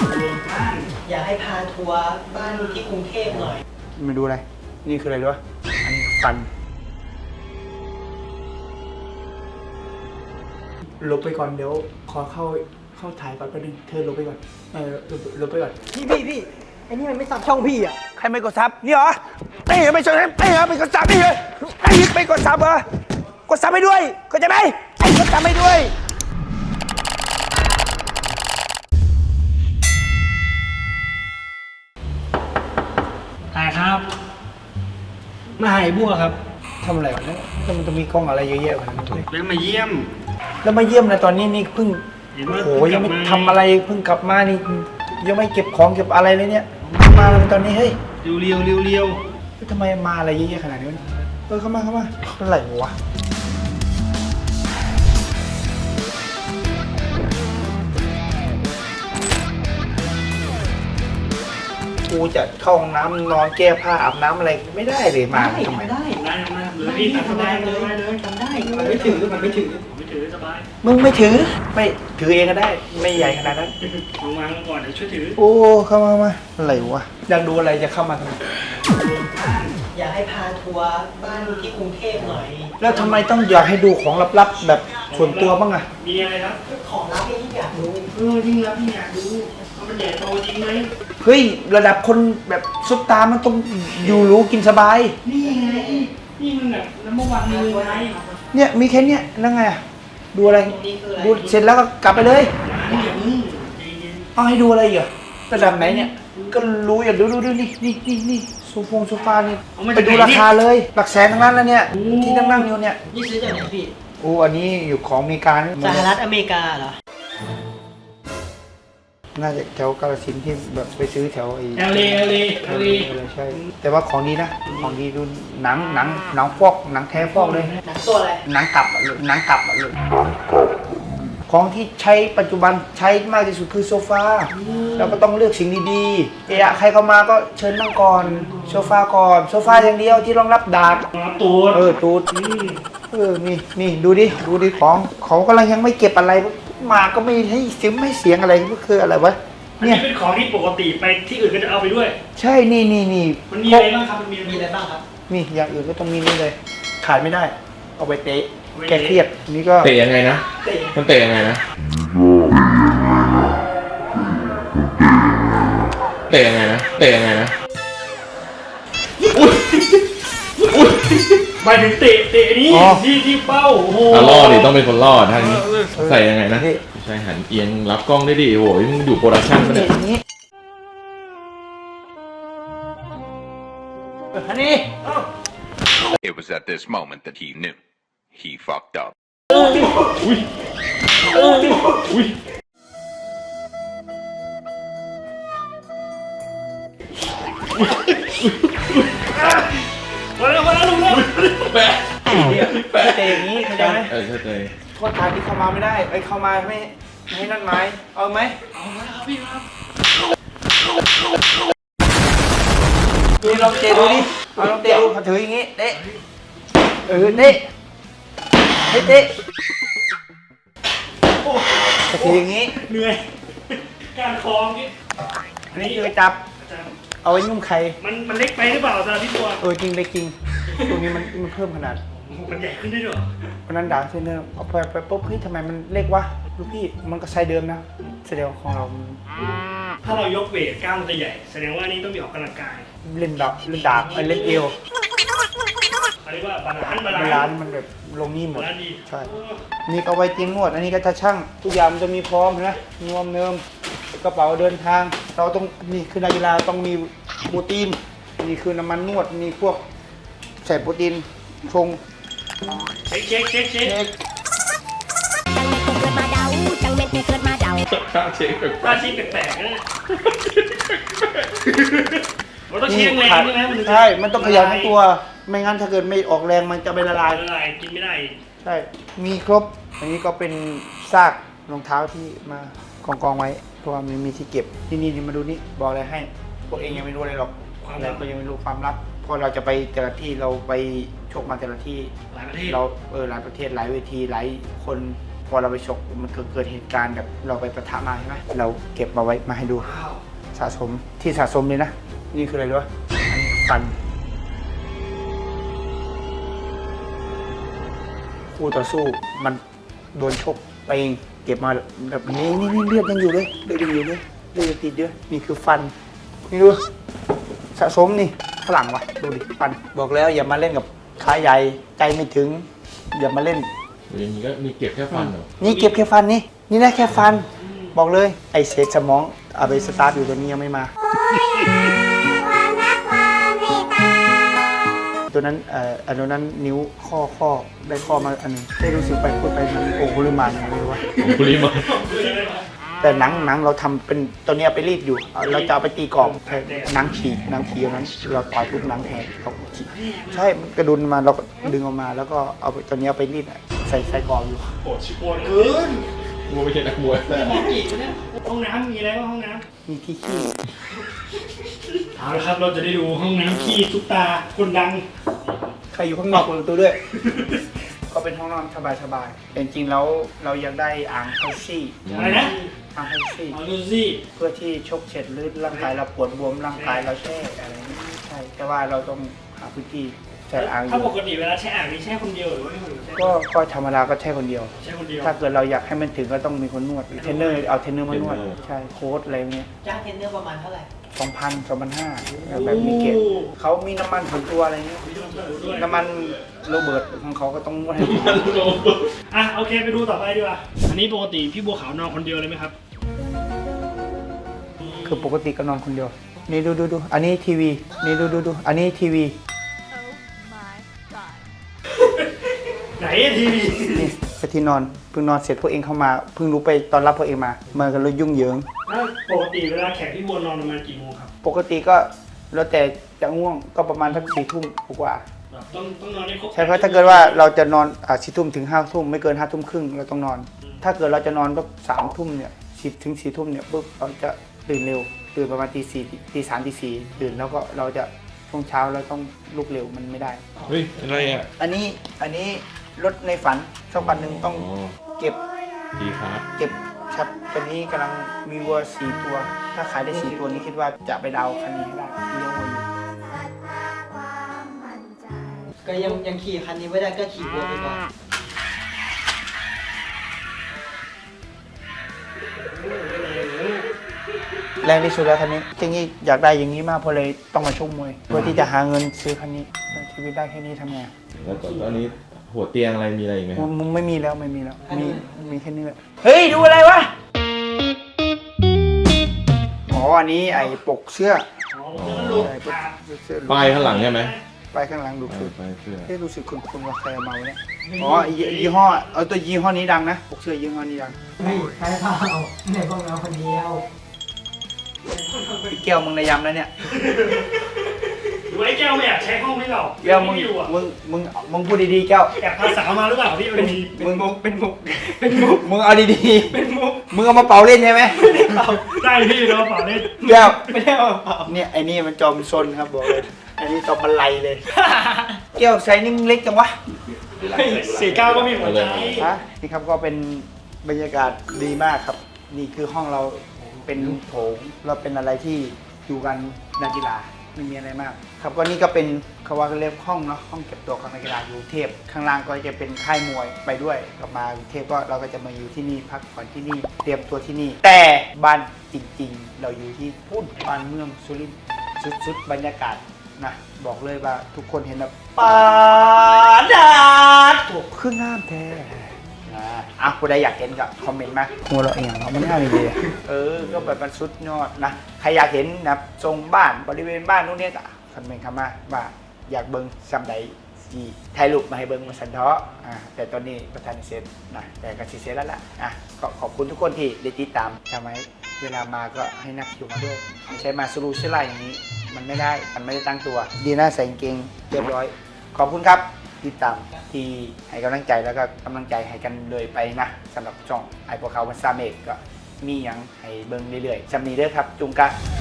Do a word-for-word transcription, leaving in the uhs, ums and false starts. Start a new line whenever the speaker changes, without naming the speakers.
อยากให้พาทัวร์บ้านที่กรุงเทพหน่อย
มาดูอะไรนี่คืออะไรรู้ป่ะอันนี้ฟันลบไปก่อนเดี๋ยวขอเข้าเข้าถ่ายก่อนแป๊บนึงเธอลบไปก่อนเออลบลบไปก่อน
พี่พี่พี่ไอ้นี่มันไม่ซับช่องพี่อ่ะ
ใครไม่กดซับนี่เหรอไอ้ไม่ใช่ไอ้เหรอไม่กดซับนี่เหรอไอ้ไม่กดซับเหรอกดซับให้ด้วยเข้าใจไหมไอ้กดซับให้ด้วย
ถ่ายครับมาหายบัวครับ
ทำอะไรวะเนี่ยมันจะมีกล้องอะไรเยอะแยะวะเนี่ย
แล้วมาเยี่ยม
แล้วมาเยี่ยมนะตอนนี้นี่เพิ่ง
เห็นว่า
โอ้โหยังไม่ทำอะไรเพิ่งกลับมานี่ยังไม่เก็บของเก็บอะไรเลยเนี่ยมาเลยตอนนี้เฮ้ย
เรียวเรียวเรียวเรียว
ทำไมมาอะไรเยอะแยะขนาดนี้วะเออเข้ามาเข้ามาอะไรวะกูจะเข้าห้องน้ำนอนแก้ผ้าอาบน้ำอะไรไม่ได้เลยมาทำไม
ไม่ได้
ได้ทำได้เลยพี่ทำได้เลยได้เลย
ทำได้มันไม่ถือมันไม่ถือ
ผมไม่ถือสบาย
มึงไม่ถือไม่ถือเองก็ได้ไม่ใหญ่ขนาดนั้น
ลงมาก่อนเดี๋ยวช่วยถือ
โอ้เข้ามามาอะไรวะอยากดูอะไรจะเข้ามาทำไม
อยากให้พาทัวร์บ้านที่กรุงเทพหน่อย
แล้วทำไมต้องอยากให้ดูของลับๆแบบส่วนตัวบ้างอะ
มีอะไรครับ
ของลับที่อยากรู้
เออยิ่งรับยิ่งอยากดูว่ามันใหญ่โตจริงไหม
เฮ้ยระดับคนแบบซุปตามันต้องอยู่รู้กินสบาย
นี่ไงนี่มันแบบน้ำมันวันเลยไง
เนี่ยมีแค่เนี้ยแล้วไงอะดูอะไร
นี่คืออะไร
ดูเสร็จแล้วก็กลับไปเลย
นี่อย่ามึงใจเย็น
เอาให้ดูอะไรอีกเหรอระดับไหนเนี่ยก็รู้อย่าดูดูดูนี่นี่นี่นี่โซฟงโซฟานี่ไปดูราคาเลยหลักแสนทั้งนั้นแล้วเนี่ยที่นั่งนั่งอยู่เนี่ย
นี่ซื้อจากไหนพี่
โอ้อันนี้อยู่ของอเมริกานะ
สหรัฐอเมริกาเหรอ
น่าจะแถวกาฬสินธุ์ที่แบบไปซื้อแถวไอ้
เอลเลเอลเลเอลเล
ใช่แต่ว่าของดีนะของดีดูหนังหนังหนังฟอกหนังแท้ฟอกเลย
หนังตัวอะไร
หนังกลับอะเลยหนังกลับอะเลยของที่ใช้ปัจจุบันใช้มากที่สุดคือโซฟาเราก็ต้องเลือกสิ่งดีๆเอะใครเข้ามาก็เชิญนั่งก่อนโซฟาก่อนโซฟาอย่างเดียวที่รองรับดาบ
รับตัว
เออตูดเออนี่นี่ดูดิดูดิของเขากำลังยังไม่เก็บอะไรมาก็ไม่ให้เสียงไม่เสียงอะไรก็คืออะไรวะ
อันนี้เป็นของที่ปกติไปที่อื่นก็จะเอาไปด้วย
ใช่นี่นี่นี่
มันมีอะไรบ้างครับมันมี
มีอะไรบ้างครับ
นี่อย่างอื่นก็ต้องมีนี่เลยขาดไม่ได้ เอาไปเตะแก้เครียดนี่ก็
เตะยังไงนะ
เตะ
มันเตะยังไงนะ เตะยังไงนะ เตะยังไงนะ
หมายถึงเตะเตะนี้ที่ที่เป้าโอ้โห
อ่ะล่อดิต้องเป็นคนล่อทางนี้ ใส่ยังไงนะใช่หันเอียงรับกล้องได้ดิโอ้ยมึงอยู่โปรดักชั่นปะ
เตะ
เนี่ย
อย่างนี้อันนี้
It was at this moment that he knew. He fucked up.
อุ้ยอุ้ย
มาแล้วมาแล้วลุงแล้ว
แปะแปะ
เตะอย่างนี้เข้าใจไหม
เออเข้าใจ
โทษทางที่เข้ามาไม่ได้ไอ้เข้ามาไม่ไม่ให้นั่นไม้เอาไหม
เอาละครับพี่ครับ
นี่ลองเตะดูดิเอาลองเตะดูเขาถืออย่างนี้เตะเออเตะเฮ้ยเตะเขาถืออย่างนี้
เหนื่อยการคล้องนี่
อันนี้คือจับเอาไว้นุ่มไข่
มันมันเล็กไปหรือเปล่าสำหรับพี่ตัว
เออจริงเลยจริงตรงนี้มันมันเพิ่มขนาด
มันใหญ่ขึ้นได้ด้วย
วันนั้นด่าเซนเนอร์เอาไปไปปุ๊บเฮ้ยทำไมมันเล็กวะลูกพี่มันก็ไซส์เดิมนะแสดงว่าของเรามัน
ถ้าเรายกเวทกล้ามมันจะใหญ่ แสดงว่านี่ต้องมีออกกำลังกาย
เล่นดาบเล่นดาบไอ้เล่นเอว
เขาเรียกว่าบาลานซ์บา
เว
ลา
ลาน
ซ์
มันแบบลงนี่หมด
บาลานซ์ดี
ใช่นี่ก็ไว้เตียงนวดอันนี้ก็จะช่างทุกอย่างมันจะมีพร้อมนะนวมเนิมกระเป๋าเดินทาง เราต้องนี่คือนักกีฬาต้องมีโปรตีนนี่คือน้ำมันนวดมีพวกใส่โปรตีนชง
เช็คเช็คเช็คเช็ค
เค้ก
ข้าเช็คแบบ
ถ้าชี้แปลกๆนะมันต้องเชียงแรงใช่ไหมมันถึงจะ
ใช่ มันต้องขยันทั้งตัว ไม่งั้นถ้าเกิดไม่ออกแรงมันจะไปละลาย
ละลายกินไม่ได้
ใช่ มีครบ อันนี้ก็เป็นซากรองเท้าที่มากองกองๆไว้ เพราะว่ามันมีที่เก็บ นี่นี่นี่มาดูนี่ บอกอะไรให้ พวกเองยังไม่รู้อะไรหรอกอะไรก็ยังไม่รู้ความลับ เพราะเราจะไปแต่ละที่เราไปชกมาแต่ละที่
หลายประเทศ
เราเออหลายประเทศหลายเวทีหลายคนพอเราไปชกมันเกิดเกิดเหตุการณ์แบบเราไปประทะมาใช่ไหมเราเก็บมาไว้มาให้ดูสะสมที่สะสมเลยนะนี่คืออะไรรู้ป่ะอันนี้ฟันคู่ต่อสู้มันโดนชกไปเองเก็บมาแบบนี้นี่นี่เลือดยังอยู่เลยเลือดยังอยู่เลยเลือดยังติดเยอะนี่คือฟันนี่ดูสะสมนี่ฝรั่งวะดูดิฟันบอกแล้วอย่ามาเล่นกับขาใหญ่ใจไม่ถึงอย่ามาเล่น
อย่างนี้ก็มีเก็บแค่ฟันเหรอ
นี่เก็บแค่ฟันนี่นี่นะแค่ฟันบอกเลยไอเศษสมองเอาไปสตาร์ทอยู่ตัวนี้ยังไม่มาตัวนั้นเอ่ออันนั้นนิ้วข้อข้อได้ข้อมาอันนึงได้รู้สึกไปพูดไปมันโอ้โหริมานอะไรวะ
ของคุริมา
แต่หนังหนังเราทำเป็นตัวเนี้ยไปรีดอยู่เอาเราจะเอาไปตีกรอบแต่หนังฉีกหนังฉีกนั้นเราต่อยปุ๊บหนังแหกเขาฉีกใช่มันกระดุนมาเราก็ดึงออกมา แล้วก็เอาไปตัวเนี้ยไปรีดอะใส่ใส่กรอบอยู่
โหดชิบโหดเกิน
กูไม่ใช่นักมวย
มองกี่เนี่ยห้องน้ำมีอะไรบ้างห้องน้
มีที่ขี้
ำเอาละครับเราจะได้ดูห้องน้ำขี้ซุปตาคนดัง
ใครอยู่ข้างนอกเปิดประตูด้วย ก็เป็นห้องนอนสบายๆแต่จริงๆแล้วเราอยากได้อ่างไฮซี่
อะไรนะ
อ่างไฮซี่
เอาดูสิ
เพื่อที่ชกเสร็จหรือร่างกายเราปวดบวมร่างกายเราแช่อะไรนี้ใช่แต่ว่าเราต้องหาพื้นที่ใช้อ่างอ
ถ้าป
ยู่
กติเวลาแช่อ่างมีแช่คนเดียวหรือว่าไม่คนเดียวแช่
ก็ก็ธรรมดาก็แช่คนเดียว
แช่คนเดียว
ถ้าเกิดเราอยากให้มันถึงก็ต้องมีคนนวดเทรนเนอร์เอาเทรนเนอร์มานวดใช่โค้ชอะไรเงี้ย
จ้างเทรนเนอร์ประมาณเท่าไหร่
สองพันสองพันห้าแบบมีเกตเขามีน้ำมันส่วนตัวอะไรเงี้ยน้ำมันโรเบิร์ตของเขาก็ต้องนวดให้
อ่ะโอเคไปดูต่อไปดีกว่าอันนี้ปกติพี่บัวขาวนอนคนเดียวเลยไหมครับ
คือปกติก็นอนคนเดียวนี่ดูดูดูอันนี้ทีวีนี่ดูดูดูอันนี้ทีวี
ไหนทีวี
นี่ไปที่นอนเพิ่งนอนเสร็จพวกเองเข้ามาเพิ่งรู้ไปตอนรับพวกเองมามากันเลยยุ่งเหยิง
แล้วปกติเวลาแขกพี่บัวนอนประมาณกี่โมงครับ
ปกติก็แล้วแต่จะง่วงก็ประมาณสักสี่ทุ่มกว่า
แบบต้องต้องนอนให้ครบ
ใช่เพราะถ้าเกิดว่าเราจะนอนอ่าสี่ทุ่มถึงห้าทุ่มไม่เกินห้าทุ่มครึ่งเราต้องนอน ถ้าเกิดเราจะนอนก็สามทุ่มเนี่ยสิบถึงสี่ทุ่มเนี่ยปุ๊บเราจะตื่นเร็วตื่นประมาณตีสี่ตีสามตีสี่ตื่นแล้วก็เราจะช่วงเช้าเราต้องลุกเร็วมันไม่ได้
เฮ้ยอะไรอ่ะ
อันนี้อันนี้รถในฝันสักวันหนึ่งต้อง
อ๋อ
เก็บ
ดีครับ
เก็บครับตอนนี้กำลังมีวัวสี่ตัว ถ้าขายได้สี่ตัวนี้คิดว่าจะไปดาวคันนี้ให้ได้เลี้ยงวัวอยู่
ก็ยังยังขี่คันนี้ไม่ได้ก็ขี่วัวไปก่อน
แรงที่สุดแล้วคันนี้จริงๆอยากได้อย่างนี้มากเพราะเลยต้องมาชกมวยเพื่อที่จะหาเงินซื้อคันนี้ชีวิตได้แค่นี้ทำไง
แล้วตอนนี้หัวเตียงอะไรมีอะไรอีกไหมครับ
มึงไม่มีแล้วไม่มีแล้วมีมีแค่นี้แหละเฮ้ยดูอะไรวะอ๋ออันนี้ไอ้ปกเสื้อ
อ๋อผมจะลูก
ไอ้ปก
ขา
เสื้อ
ป้ายข้างหลังใช่ไหม
ไปข้างหลังดูคือ
ป้ายเสื้อ
เฮ้ยรู้สึกคุณคุณว่าใครเอามาเนี่ยอ๋อยี่ยี่ห้อเอาตัวยี่ห้อนี้ดังนะปกเสื้อยี่ห้อนี้ดัง
เฮ้ยใครเปล่าในพวกเราคนเดียว
พี่แก้วมึงในยำแล้วเนี่ย
หรือว่าไอ้แก้วไม่อยากใช้ห้องพี่เรา
แก้วมึง
ไม่อยู่อ่ะ
มึงมึงมึงพูดดีๆแก้ว
แอบพาสาวมาหรือเปล่าพี่เอาดี
มึงเป็นมุกเป็นมุกมึงเอาดีๆเป็นมุกมึงเอามาเป่าเล่นใช่ไหม
ๆได้พี่เราเปล่าเล่น
แก้วไม่ได้เอาเป่าเนี่ยไอ้นี่มันจอมซนครับบอกเลยอันนี้จอมบันไลเลย แก้วใส่นี่มึงเล็กจังวะ
สี่เก้าก็มีหัวใจ
ฮะนี่ครับก็เป็นบรรยากาศดีมากครับ นี่คือห้องเราเป็นโถงเราเป็นอะไรที่อยู่กันนักกีฬาไม่มีอะไรมาก ครับก็นี่ก็เป็นเขาว่าเรียกห้องเนาะห้องเก็บตัวของนักกีฬาอยู่กรุงเทพข้างล่างก็จะเป็นค่ายมวยไปด้วยกลับมากรุงเทพก็เราก็จะมาอยู่ที่นี่พักผ่อนที่นี่เตรียมตัวที่นี่ แต่บ้านจริงๆ เราอยู่ที่พุ่นบ้านเมืองสุรินทร์สุดๆบรรยากาศนะบอกเลยว่าทุกคนเห็นแบบปาดาดถูกเครื่องงามแท้อ่าอ่ะผู้ใดอยากเห็นก็คอมเมนต์มาหัวเราะเองเรามันง่ายเลยเออก็แบบมันสุดยอดนะใครอยากเห็นนะทรงบ้านบริเวณบ้านนู้นเนี่ยก็คอมเมนต์เข้ามาว่าอยากเบิ้งซัมใดสีถ่ายรูปมาให้เบิ้งมาสันเทาะอ่าแต่ตอนนี้ประธานเสร็จนะแต่ก็สิเสร็จแล้วล่ะอ่ะก็ขอบคุณทุกคนที่ได้ติดตามทำไมเวลามาก็ให้นักคิวมาด้วยไม่ใช่มาสรูสไลด์อย่างนี้ มันไม่ได้ มันไม่ได้ตั้งตัว ดีนะใส่กางเกงเรียบร้อย ขอบคุณครับติดตามที่ให้กำลังใจแล้วก็กำลังใจให้กันเลยไปนะสำหรับช่องไอพวกเขาพันซาเมกก็มีอย่างให้เบิ่งเรื่อยๆจำนี้เด้อครับ จุงกะ